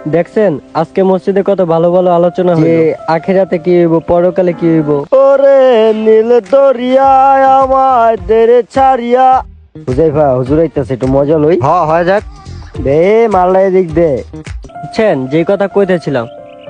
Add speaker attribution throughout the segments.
Speaker 1: দেখছেন আজকে মসজিদে কত ভালো ভালো আলোচনা হইলো, আখিরাতে কি হইব, পরকালে কি হইব। ওরে নীল দরিয়ায় আমাদের ছাড়িয়া। হুজাইফা হুজুর আইতাছে, একটু মজা লই।
Speaker 2: হয় যাক।
Speaker 1: দে মাল্লা এদিক দে। বুঝছেন যে কথা কইতেছিলাম,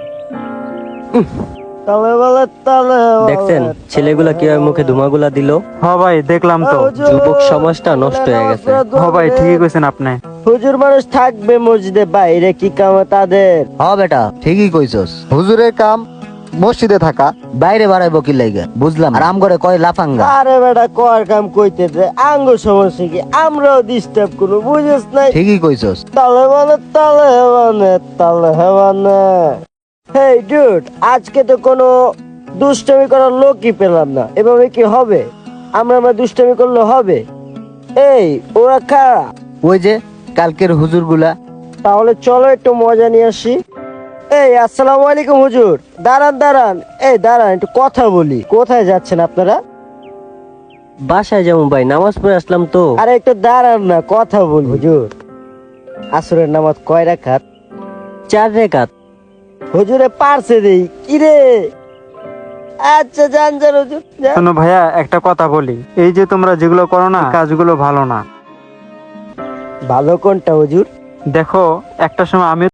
Speaker 1: দেখছেন ছেলেগুলা কিভাবে মুখে ধুমাগুলা দিল।
Speaker 3: ভাই দেখলাম তো।
Speaker 1: যুবক সমাজটা নষ্ট হয়ে গেছে।
Speaker 3: ভাই ঠিকই কইছেন আপনি।
Speaker 1: হুজুর মানুষ থাকবে মসজিদে, বাইরে কি কাম তাদের।
Speaker 2: বেটা ঠিকই কইছস, হুজুরের কাম মসজিদে থাকা, বাইরে বাড়াইবো কি লাইগা বুঝলাম। আর আম করে কয় লাফাঙ্গা।
Speaker 1: আরে বেটা কর কাম কইতে দে, আঙ্গ সমস্যা কি, আমরাও ডিস্টার্ব করবো, বুঝিস নাই।
Speaker 2: ঠিকই কইছস।
Speaker 1: তালে মানে তালে মানে তালে মানে। হেই ডুড, আজকে তো কোনো দুষ্টামি করার লোকই পেলাম না। এভাবে কি হবে? আমরা দুষ্টামি করলে হবে? এই ওরা কারা?
Speaker 2: ওই যে কালকের হুজুর গুলা।
Speaker 1: তাহলে চলো একটু মজা নিয়ে আসি। এই আসসালামু আলাইকুম হুজুর। দাঁড়ান দাঁড়ান, এই দাঁড়ান একটু কথা বলি। কোথায় যাচ্ছেন আপনারা? বাসায় যাবো ভাই, নামাজ পড়ে আসলাম তো। আরে একটু দাঁড়ান না, কথা বলি। হুজুর আসরের নামাজ কয় রাকাত? 4 রাকাত। হুজুরে পারছে দেই কি রে? আচ্ছা যান যান হুজুর যান।
Speaker 3: শোনো ভাইয়া, একটা কথা বলি, এই যে তোমরা যেগুলো করো না, কাজগুলো ভালো না।
Speaker 1: ভালো কোনটা হুজুর?
Speaker 3: দেখো একটা সময় আমি